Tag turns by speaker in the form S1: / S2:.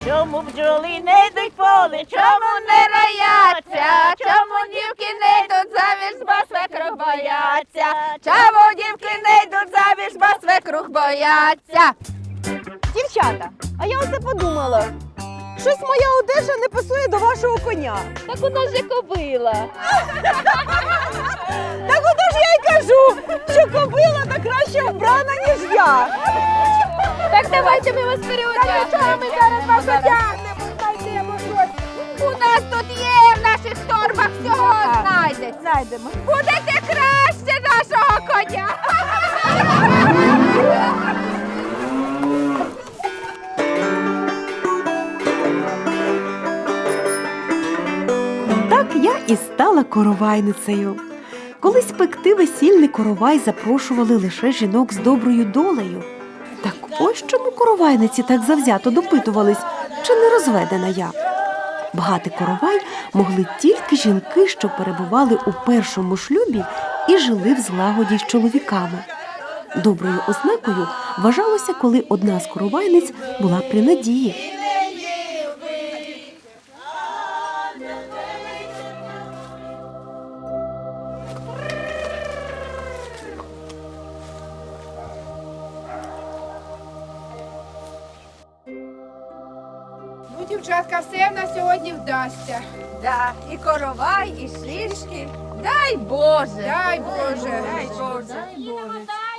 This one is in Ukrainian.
S1: Чому бджоли не йдуть в поле, чому не рояться, чому дівки не йдуть заміж, бо свекрух бояться, чому дівки не йдуть заміж, бо свекрух бояться.
S2: Дівчата, а я оце подумала. Щось моя одежа не пасує до вашого коня.
S1: Так у нас же кобила.
S2: Так ото ж я й кажу, що кобила та краще вбрана, ніж я.
S1: Так давайте ми вас переодягнемо. Ми зараз вас одягнемо, знайдемо щось. У нас тут є, в наших торбах всього знайдеться.
S2: Знайдемо.
S1: Будете краще нашого коня.
S3: Так я і стала коровайницею. Колись пекти весільний коровай запрошували лише жінок з доброю долею. Так ось чому коровайниці так завзято допитувались, чи не розведена я. Багати коровай могли тільки жінки, що перебували у першому шлюбі і жили в злагоді з чоловіками. Доброю ознакою вважалося, коли одна з коровайниць була при надії.
S4: Ну, дівчатка, все в нас сьогодні вдасться.
S1: Да, і коровай, і шишки. Дай Боже.
S4: Дай Боже.
S1: Дай Боже.